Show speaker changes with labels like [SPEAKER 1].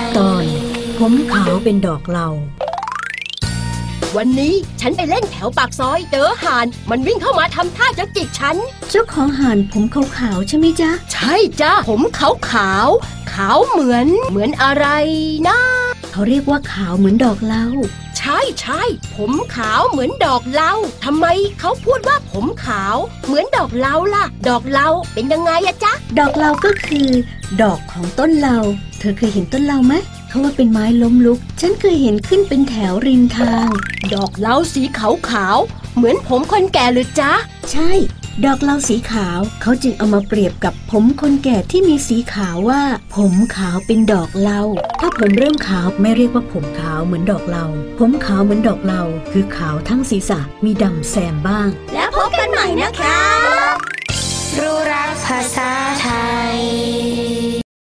[SPEAKER 1] ตอนผมขาวเป็นดอกเหลา
[SPEAKER 2] วันนี้ฉันไปเล่นแถวปากซอยเจอห่านมันวิ่งเข้ามาทำท่าจะจิกฉัน
[SPEAKER 1] เจ้าของห่านผมขาวๆใช่ไหมจ๊ะ
[SPEAKER 2] ใช่จ้ะผมขาวเหมือนอะไรนะ
[SPEAKER 1] เขาเรียกว่าขาวเหมือนดอกเหลา
[SPEAKER 2] ใช่ผมขาวเหมือนดอกเหลาทำไมเขาพูดว่าผมขาวเหมือนดอกเหลาล่ะดอกเหลาเป็นยังไงอะจ๊ะ
[SPEAKER 1] ดอกเหลาก็คือดอกของต้นเหลาเธอเคยเห็นต้นเหลาไหมเขาว่าเป็นไม้ล้มลุกฉันเคยเห็นขึ้นเป็นแถวริมทาง
[SPEAKER 2] ดอกเหลาสีขาวเหมือนผมคนแก่หรือจ๊ะ
[SPEAKER 1] ใช่ดอกเหลาสีขาวเขาจึงเอามาเปรียบกับผมคนแก่ที่มีสีขาวว่าผมขาวเป็นดอกเหลาถ้าผมเริ่มขาวไม่เรียกว่าผมขาวเหมือนดอกเหลาผมขาวเหมือนดอกเหลาคือขาวทั้งศีรษะมีดำแซมบ้าง
[SPEAKER 2] แล้วพบกันใหม่นะคะ
[SPEAKER 3] รู้รักภาษาไทย